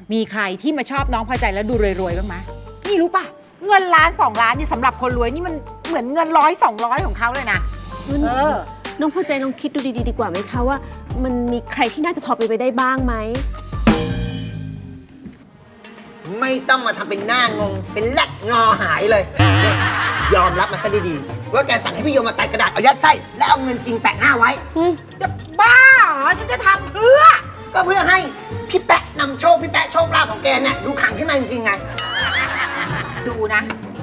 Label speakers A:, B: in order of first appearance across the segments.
A: มีใครที่มาชอบน้องพอใจแล้วดูรวยๆบ้างไหมนี่รู้ป่ะเงินล้าน2 ล้านนี่สำหรับคนรวยนี่มันเหมือนเงิน100 200ของเขาเลยนะ
B: น้องพอใจลองคิดดูดีๆดีกว่าไหมคะว่ามันมีใครที่น่าจะพอไปได้บ้างไหม
C: ไม่ต้องมาทำเป็นหน้างงเป็นแลกงอหายเลยเนี่ยยอมรับมาซะดีๆว่าแกสั่งให้พี่โยมมาตัดกระดาษเอายัดไส้แล้วเอาเงินจริงแปะหน้าไว้
A: จะบ้าเหรอฉันจะทำเพื่อ
C: ก็เพื่อให้พี่แปะนำโชคพี่แปะโชคลาภของแกเนี่ยดูขังขึ้นมาจริงๆไง
A: ดูนะ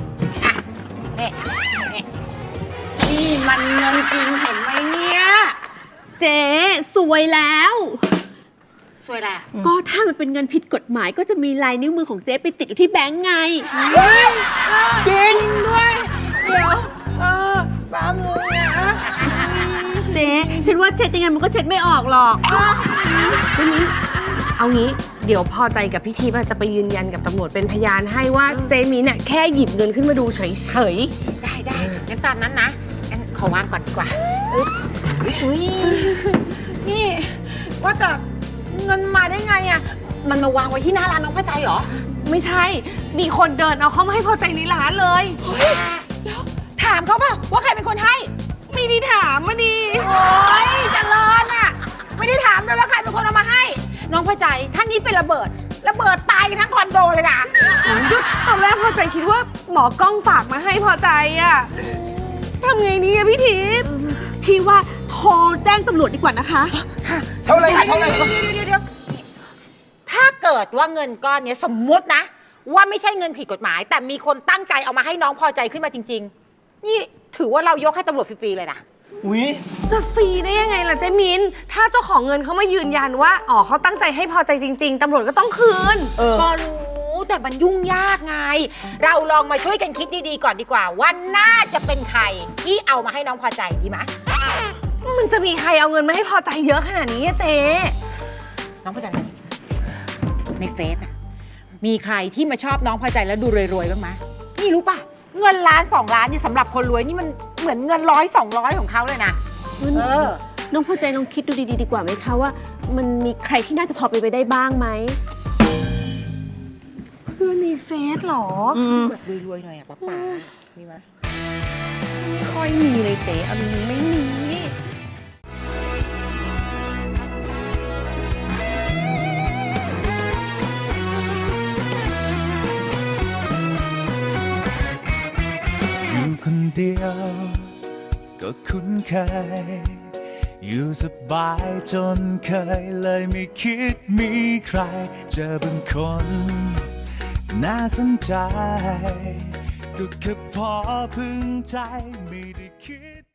A: นี่มันเงินจริงเห็นไหมเนี่ย
B: เจ๊สวยแล้ว
A: สวยแหละ
B: ก็ถ้ามันเป็นเงินผิดกฎหมายก็จะมีลายนิ้วมือของเจ๊ไปติดอยู่ที่แบงก์ไง
A: จริงด้วยเดี๋ยวบ้ามือนะ
B: เจ๊ฉันว่าเช็ดยังไงมันก็เช็ดไม่ออกหรอก
D: ทีนี้เอางี้เดี๋ยวพอใจกับพี่ทิพย์จะไปยืนยันกับตำรวจเป็นพยานให้ว่าเจมีเนี่ยแค่หยิบเงินขึ้นมาดูเฉย
A: ๆได้งั้นตามนั้นนะงั้นขอวางก่อนดีกว่านี่ว่าแต่เงินมาได้ไงอ่ะมันมาวางไว้ที่หน้าร้านน้องพอใจเหรอ
D: ไม่ใช่มีคนเดินเอาเข้ามาให้พอใจในร้านเลย
A: แล้วถามเขาป่ะว่าใครเป็นคนให้
D: ไม่ได้ถามมาดี
A: โอ๊ยจังเลยอ่ะไม่ได้ถามด้วยว่าใครเป็นคนเอามาให้น้องพอใจท่านนี้เป็นระเบิดตายกันทั้งคอนโดเลยนะ
D: ตอนแรกพอใจคิดว่าหมอกล้องฝากมาให้พอใจอ่ะทำไงนี่พี่ทิพย์
B: พี่ว่าโทรแจ้งตำรวจดีกว่านะคะ
C: เท่าไรเดี๋
A: ยวถ้าเกิดว่าเงินก้อนนี้สมมุตินะว่าไม่ใช่เงินผิดกฎหมายแต่มีคนตั้งใจเอามาให้น้องพอใจขึ้นมาจริงๆนี่ถือว่าเรายกให้ตำรวจฟรีๆเลยนะ
D: จะฟรีได้ยังไงล่ะเจมินถ้าเจ้าของเงินเขามายืนยันว่าเขาตั้งใจให้พอใจจริงๆตำรวจก็ต้องคืน
A: ก็รู้แต่มันยุ่งยากไงเราลองมาช่วยกันคิดดีๆก่อนดีกว่าว่าน่าจะเป็นใครที่เอามาให้น้องพอใจดีไหม
D: มันจะมีใครเอาเงินมาให้พอใจเยอะขนาดนี้เจ๊
A: น้องพอใจไหมในเฟซมีใครที่มาชอบน้องพอใจแล้วดูรวยๆบ้างไหมนี่รู้ป่ะเงินล้าน2 ล้านนี่สำหรับคนรวยนี่มันเหมือนเงิน100 200ของเขาเลยนะ
B: น้องพอใจลองคิดดูดีๆดีกว่าไหมคะว่ามันมีใครที่น่าจะพอไปได้บ้างไหม
D: เพื่อนในเฟซหรอ
A: แบบรวยๆหน่อยป้ามีไหม
D: ไม่ค่อยมีเลยเจ๊เอาจริงไม่มี
E: คนเดียวก็คุ้นเคยอยู่สบายจนเคยเลยไม่คิดมีใครเจอบางคนน่าสนใจก็แค่พอพึงใจไม่ได้คิด